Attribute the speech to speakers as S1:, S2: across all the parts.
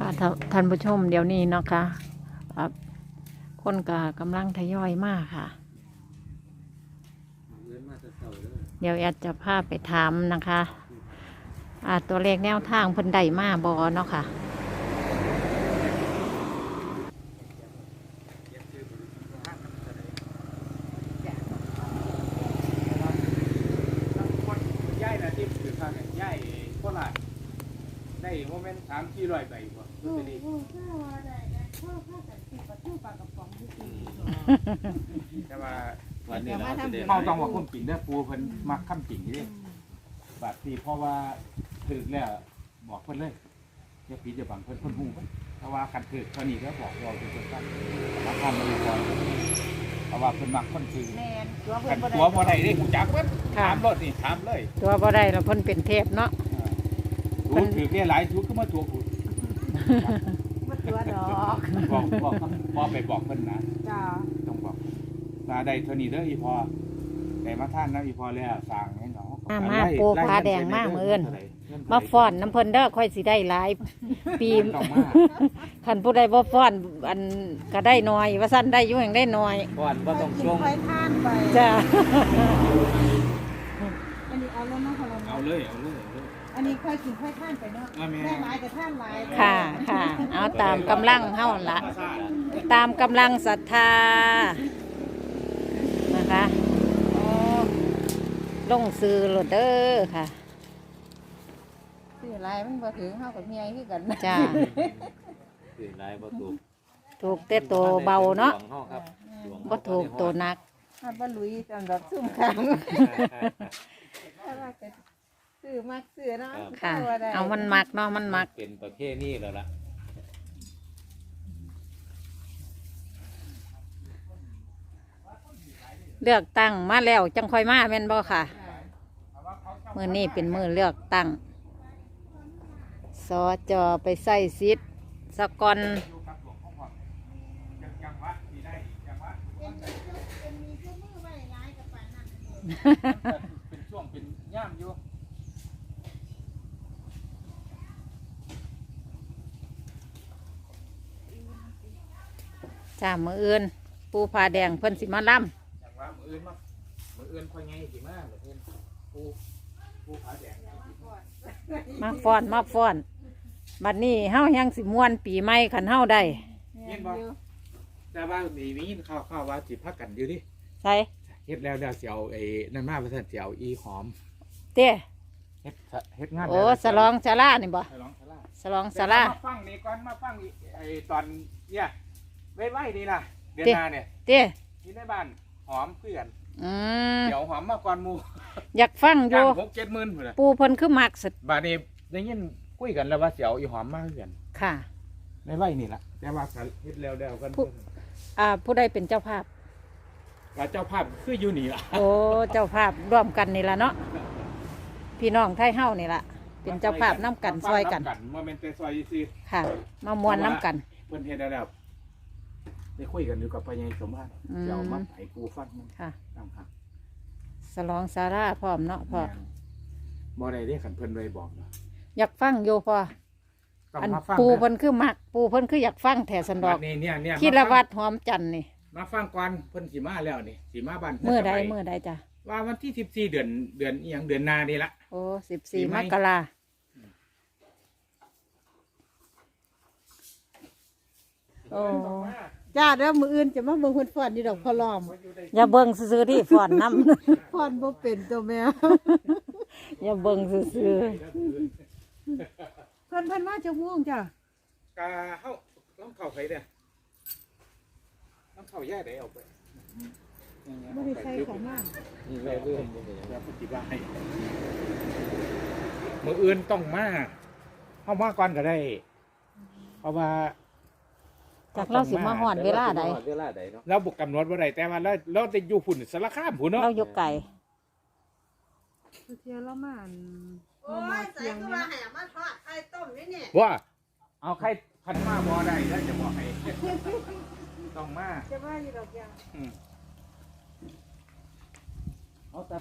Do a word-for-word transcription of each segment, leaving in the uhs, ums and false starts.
S1: ท่าท่านผู้ชมเดี๋ยวนี้เนาะค่ะครับคนก็กำลังทยอยมากค่ะ เดี๋ยวแอดจะพาไปถามนะคะอ่าตัวเลขแนวทางเพิ่นได้มาบอเนาะค่ะ
S2: ย่ายนะที่ถือทางเนี่ยย่ายโคราชได้โมเมนต์สามที่ร้อยใบกว่าลอตเตอรี่แต่ว่าวันนี้เราเขาต้องว่าคนปิ่นได้ปูเพิ่นมักข้ามปิ่นนี่บาดทีเพราะว่าถือแล้วบอกเพิ่นเลยจะปีจะบังเพิ่นเพิ่นหูเพราะว่าคันถือเท่านี้ก็บอกเราเป็นคนตั้งมาทำมาเลยก่อนเพราะว่าเพิ่นมักคนซื้อกันตัวบ่ได้ดิหูจักเพิ่นถามรถนี่ถามเลย
S1: ตัวบ่ได้แล้วเพิ่นเป็นเทพเนาะ
S2: รู้ถือแค่หลายชุดก็มาตัวกู
S3: มาตัวดอก
S2: บอกบอกพอไปบอกเพิ่นนะ
S3: จ้า
S2: ต้องบอกตาได้เท่านี้เด้ออีพอแต่มาท่านนะอีพอแล้วสั่งให้เขา
S1: มาปูผาแดงมากมื้ออื่นมาฟ้อนน้ำเพิ่นเด้อค่อยสิได้หลายปีคันผู้ใดบ่ฟ้อนอันก็ได้น้อยว่าซั่นได้อยู่แห่งได้น้อย
S2: ฟ้อนบ่ต้องช่วง
S3: ไปท่านไป
S1: จ้า
S3: อันนี้เอาแล้วเนาะพอเรา
S2: เอาเลยเอาเลยเอาเลย
S3: อันนี้ค่อยกินค่อยท่านไปเนาะได้หลายแต่ท่านหลาย
S1: ค่ะค่ะเอาตามกำลังเฮาละตามกำลังศรัทธานะคะโอ้ลงซื้อโลดเด้อค่ะ
S3: ซื้อหลายมันบ่ถึงเฮากับเมียคือกัน
S1: จ้า
S4: ถือลายบ่ถูก
S1: ถูกแต่ตัวเบาเนาะ
S4: ดวงเฮาครับดวง
S1: บ่ถูกตัวหนัก
S3: ถ้าบ่ลุยสำหรับซุ่มขังถ้าว่าก็ซื้อมักซื้อเนาะ
S1: ค่ะ เอามันมักเนาะมันมัก
S4: เป็นประเภทนี้แล้วล่ะ
S1: เลือกตั้งมาแล้วจังค่อยมาแม่นบ่ค่ะมื้อนี้เป็นมื้อเลือกตั้งสจไปใส่สิทธิ์สกอน
S2: เป็นช่วงเป็นย่ามอยู่
S1: จ้ามื้ออื่นปูผาแดงเพิ่นสิมาล่ำ
S2: อย่างว่ามืออื่นมามืออื่นค่อยไงสิมาเพิ่นปูปูผาแดง
S1: มาฟ้อนมาฟ้อนบัดนี้เฮายังสิม่วนปีใหม่คันเฮาได้
S2: เห็นบ่แต่ว่ามีมีข้าวข้าวว่าสิพักกันอยู่ดิ
S1: ใส่
S2: เฮ็ดแล้วเดี๋ยวสิเอาไอ้นั่นมาว่าซั่นสิเอาอีหอม
S1: เต้
S2: เฮ็ดเฮ็ดงาน
S1: โอ้สลองศาลานี่บ่
S2: ฉลองศาลา
S1: สลองศาลา
S2: มาฟังนี่ก่อนมาฟังไอ้ตอนเนี่ยไว้ๆนี่ล่ะเดือนหน้าเนี่ย
S1: เต้
S2: ที่ในบ้านหอมเพื่อน
S1: อืม
S2: เดี๋ยวหอมมาก่อนหมู่
S1: อยากฟังอ
S2: จ้า
S1: ยู่
S2: งหกเจ็ดหมื่นพุ่นน่ะ
S1: ปูเพิ่นคือมักสุด
S2: บาดนี้ได้ยินคุยกันแล้วว่าสิเอาอีหอมมาเพื่อน
S1: ค่ะ
S2: ในไว้นี่ล่ะแต่ว่าก็เฮ็ดแล้วแล้วกัน
S1: ผู้ อ่าผู้ใดเป็นเจ้าภาพ
S2: ว่าเจ้าภาพคืออยู่นี่ล่ะ
S1: โอ้เจ้าภาพร่วมกันนี่ละเนาะพี่น้องไทยเฮานี่ละเป็นเจ้าภาพน้ำกันซอยกัน
S2: บ่แม่นแต่ซอยซื่อ
S1: ค่ะ มามวนน้ำกัน
S2: เพิ่นเฮ็ดได้แล้วได้คุยกันอยู่กับพ่อใหญ่สมภาร
S1: อืม
S2: จะเอามาให้กูฟังมัน
S1: ค่ะ
S2: ตามครับ
S1: สลองสาราพร้อมเนาะพ่อ
S2: บ่ได้เด้คันเพิ่นไว้บอกเนาะ
S1: อยากฟังอยู่พ่อ
S2: ต้อง
S1: อัน
S2: มาฟัง
S1: ปูเพิ่นคือมัก ปูเพิ่นคืออยากฟังแถสันดอก
S2: บันี่เนี่ยเนี่ย
S1: คิดละวัดหอมจันทร์นี่
S2: มาฟังก่อนเพิ่นสิมาแล้วนี่สิมาบ้าน
S1: เมื่อใด
S2: พิ่นจะไป
S1: เมื่อใดจ้ะ
S2: ว่าวันที่สิบสี่เดือนเดือนอีหยังเดือนหน้านี่ละ
S1: โอ้สิบสี่
S2: ปีให
S1: ม
S2: ม่
S1: กราโอ้
S3: จ้าแล้วมืออื่นจะมาเบิ่งเพิ่นฟ้อนนี่ดอกพอล้อม
S1: อย่าเบิ่งซื่อๆที่ฟ้อนน้
S3: ฟ้อนบ่เป็นตัวแม่
S1: ำ อย่าเบิ่งซื่อ
S3: เพิ่นเพิ่นมาจากม่วงจ้ะ
S2: กาเฮาต้องเข้าไปเด้อต้องเข้าแยกได้เอาไป
S3: บ่ได้ใส่ของมาก
S4: นี่แม่เรื่องบ่เป็นหยัง
S2: แล้วปฏิบัติให้มื้ออื่นต้องมาเฮามาก่อนก็ได้ เพราะว่า
S1: ๆจากเราสิมาหอนเวลาใด
S4: เวลาใดเนาะ
S2: เราบุกกำหนดว่าใดแต่ว่าเราเราจะอยู่ฝุ่นสารคามพุ่นเนาะ
S1: เราอยู่ไก่
S3: เที่ยวละมาอัน
S5: โอ้ยใส่ตัวแหมมาทอดไข่ต้มนี่นี่
S2: ว่าเอาใครพันมาบ่ได้แล้วจะบอกให้ ต้องมา
S3: จะว่าอยู่ดอกยาง
S2: อืมเอาแต่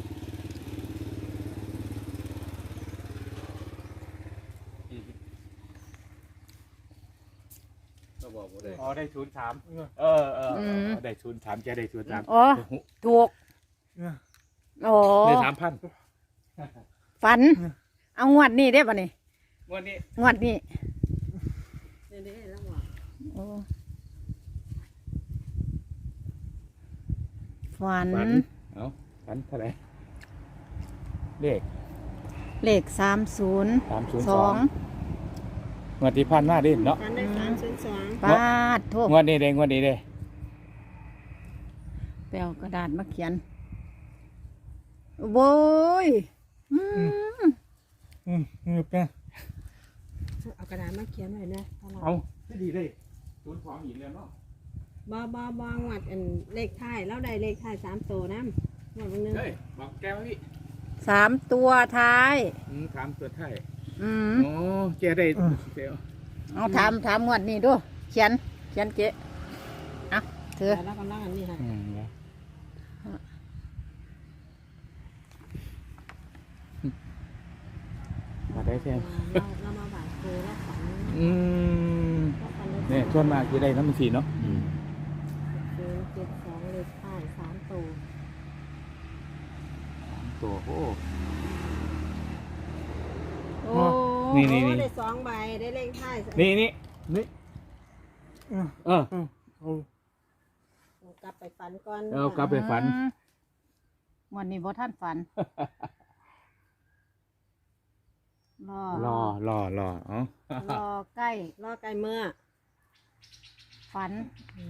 S4: เขาบอกบ่ได้
S2: อ๋อได้ศูนย์สามเออเออได้ศูนย์สามแกได้ศูนย์สาม
S1: อ๋อถูกโอ้
S2: ได้สามพัน
S1: ฝัน เอางวดนี้ได้ป่ะนี่
S2: วันนี้
S1: งวดนี้
S5: เดี๋ยวนี้แล้วว่า
S1: โอ้ฝัน
S2: ฝันเอาฝันเท่าไหร่เลข
S1: เลขสามศูนย์
S2: สามศูนย์
S1: ส
S2: ส
S1: อ
S2: อง งงวดที่พันมาดิเนาะ
S5: กันได้สามศูนย์สอง
S1: ปาดโทษ
S2: งวดนี้เด้งวดนี้เด้
S1: ไปเอากระดาษมาเขียนโว้ยอืม
S2: อืมอืมเป็น
S5: เอากระดาษมาเขียนหน่อยนะตลอด
S2: เอาไม่ดีเลยศูนย์สองอีกแล้วเนาะ
S5: บ่บ่บ่งวดอันเลขท้ายแล้วได้เลขท้ายสามตัวน้ำงวดวันหนึง
S2: เฮ้ยบอกแกวพี่
S1: สามตัวท้าย
S2: อืมถามตัวไทย
S1: อืม
S2: โอ้แกได้เซล
S1: เอาถามถามงวดนี้ดูเขียน เขียนเจ๊เอาเถอะ
S5: แล้วกำลังอันนี้ค่ะ
S2: อืมมาได้แค่
S5: เราเรามาบ่ายครูแล้วฝัน
S2: อืม
S5: แล้วฝัน
S2: เนี่ยส่วนมากจะได้น้ำมันสีเนาะ
S4: อืม
S5: คือเจ็ดสองเลขท้ายสามตัว
S2: ตัวโอ้
S1: โอ้
S2: นี่นี่นี่
S5: โอ้ได้สองใบได้เลขท้าย
S2: นี่นี่นี่เออ
S5: กลับไปฝันก่อน
S2: เอากลับไปฝัน
S1: อืมงวันนี้พ่ท่านฝัน รอ
S2: รอรอรอเอ๋อ
S1: รอใกล้
S5: รอไกลเมื่อ
S1: ฝัน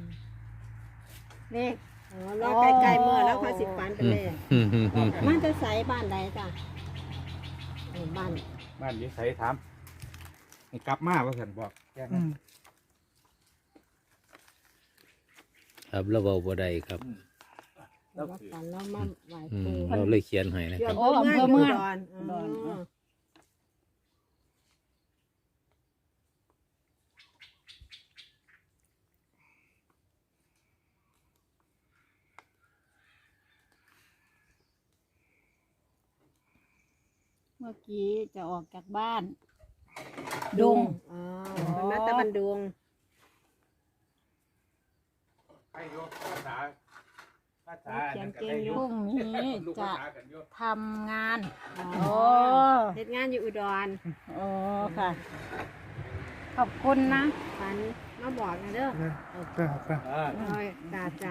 S1: เลข
S5: อ๋อรอไกลๆเมื่อแล้วค่อยสิฝันไปเลย
S4: อืมอืมอืม
S5: มันจะใส่บ้านใดจ้ะเออบ้าน
S2: บ้านนี้ใส่ถามให้กลับมาว่าสันบอกแกนะ
S4: ครับเราเว้าบ่ได้ครับ
S5: เราฝันเรามาไหว้
S4: อื
S5: ครู
S4: มเราเลยเขียนให้นะค
S5: เดี๋ย
S4: รั
S5: ว
S4: บ
S5: อำเภอเมืองอุดร
S1: อุดร
S5: อ๋อ
S1: เมื่อกี้จะออกจากบ้าน ดง
S5: อ๋อเป็นมาตะบันดุง
S2: ให้โยภาษาภาษา
S5: เขียนเก่งอยู่
S1: พรุ่งนี้จะทำงาน
S5: อ๋อ
S1: โอ้
S5: เฮ็ดงานอยู่อุดร
S1: โอ้ค่ะ ขอบคุณนะ
S5: ฝันมาบอกนะเด้อ
S2: อ่า
S5: โอ้ยจ้าจ้า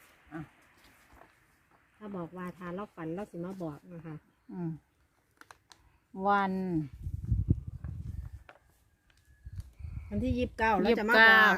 S5: ถ้าบอกว่าทานเราฝันเราสิมาบอกนะคะ
S1: อืมวัน
S5: วันที่ยี่สิบเก้าเรา
S1: ยี่
S5: จะ
S1: สิบ
S5: มาบ
S1: เก้า
S5: อก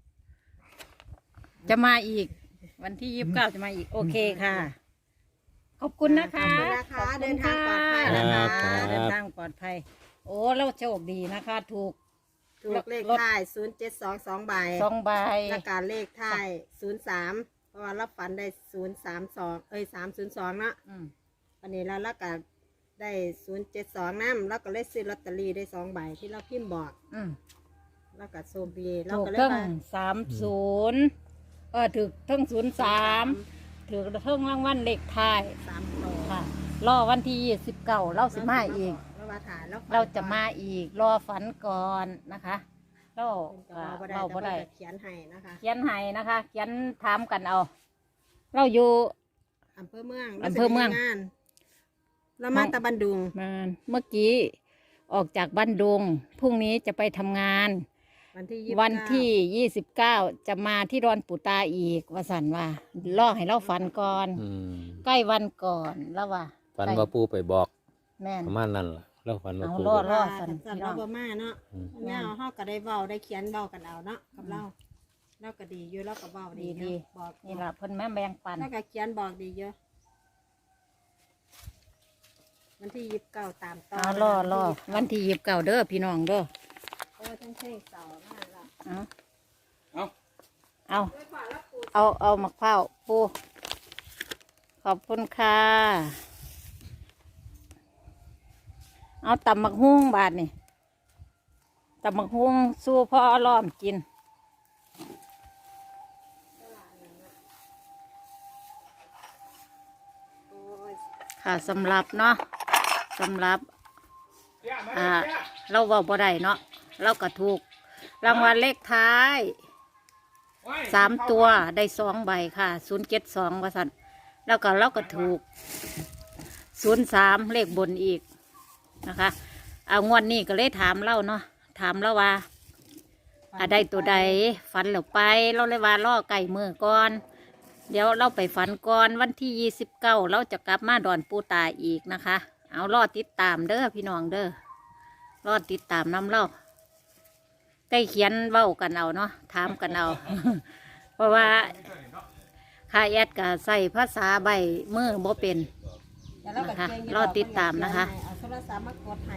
S1: จะมาอีก วันที่ยี่สิบเก้าจะมาอีก โอเคค่ะ ขอบคุณนะคะ
S5: ขอบคุณนะคะเดินทางปลอดภัย
S1: ขอบ
S5: นะ
S1: คุณ
S5: คะ
S1: ค่ะเดินทางปลอดภัย โอ้เราโชคดีนะคะ ถูก
S5: ถูกเลขท้ายศูนย์เจ็ดสองสองใบ
S1: สองใบ
S5: และการเลขท้ายศูนย์สามเพราะว่าเราฝันได้ศูนย์สามสองเอ้ยสามศูนย์สองเนาะ
S1: อืม
S5: วันนี้เราแล้วก็ได้ศูนย์เจ็ดสองน้ำแล้วก็เลขซื้อลอตเตอรี่ได้สองใบที่เราพิมพ์บอก
S1: อืม
S5: แล้วก็โซบีเรา
S1: ถูก
S5: ก็เลย
S1: เทั้ง
S5: ว่า
S1: สามศูนย์เออถูกเทั้งศูนย์สามถูกเทั้งรางวัลเลขท้าย
S5: สามโต
S1: ค่ะ รอวันที่ยี่สิบเก้าเราสิมาอีก
S5: เรามาถ่ายแล้วฝัน
S1: เราจะมาอีก รอฝันก่อนนะคะ เรา
S5: เพิ่นก็
S1: เรา
S5: เว้าบ่
S1: บ่
S5: ได้
S1: ได้
S5: แต่เพิ่นก็เขียนให้นะคะ
S1: เขียนให้นะคะ เขียนถามกันเอา เราอยู่
S5: อำเภอเมือง
S1: อำเภอเมือง
S5: ราจะงานเรามาตะบันดุง
S1: มาเมื่อกี้ออกจากบ้านดงพรุ่งนี้จะไปทำงาน
S5: วันที่ยี่สิบ
S1: วันที่
S5: เก้า
S1: ยี่สิบเก้าจะมาที่ดอนปูตาอีกว่าสันว่าล่อให้เราฝันก่อน
S4: อืม
S1: ใกล้วันก่อนแล้วว่า
S4: ฝันว่าปู่ไปบอก
S1: แม่น
S4: ประมาณนั้นล่ะเราฝันว่า
S1: เอา
S4: ปู่
S1: รอด
S4: ไป
S1: ร
S4: บ
S1: อ
S4: อก
S1: ด สัน
S5: สัน
S1: พี่น้
S5: เรา
S1: อง
S5: บ่มาเนาะ
S4: อืม
S5: เนี่ยเฮาก็ได้เว้าได้เขียนเว้ากันเอาเนาะกับเราเราก็ดีอยู่เราก็เว้าดี
S1: ดี
S5: เนาะบอก
S1: นี่ล่ะเพิ่นแม่แบ่งปัน
S5: เราก็เขียนบอกดีเยอะวันที่ยี่สิบเก้าตามต่อ
S1: เอารอรอวันที่ยี่สิบเก้าเด้อพี่น้องเด้อ
S5: โอ้ยทั้งเพลงเสาร์มากละ
S1: เอาเอาเอาเอามะพร้าวปูขอบคุณค่ะ เอาตำมักฮุ้งบาทนี่ตำมักฮุ้งสู้พ่อล้อมกิน
S5: โอ้ย
S1: ค่ะสำหรับเนาะสำหรับ อ่า เราเว่าบ่ได้เนาะเราก็ถูกรางวัลเลขท้ายสามตัวได้สองใบค่ะศูนย์เจ็ดสองว่าสันแล้วก็เราก็ถูกศูนย์สามเลขบนอีกนะคะเอางวดนี้ก็เลยถามเล่าเนาะถามเราว่าอะได้ตัวใดฝันแล้วไปเราเลยว่าล่อไก่มือก่อนเดี๋ยวเราไปฝันก่อนวันที่ยี่สิบเก้าเราจะกลับมาดอนปูตาอีกนะคะ เอารอติดตามเด้อพี่น้องเด้อรอติดตามน้ำเล่าใกล้เขียนเว้ากันเอาเนาะถามกันเอา เพราะว่าค่าแอดก็ใส่ภาษาใบมือบ่เป็น
S5: แต่เราก็เก่งยู่
S1: รอติดตามนะคะ
S5: เอาโทรศัพท์มากดให้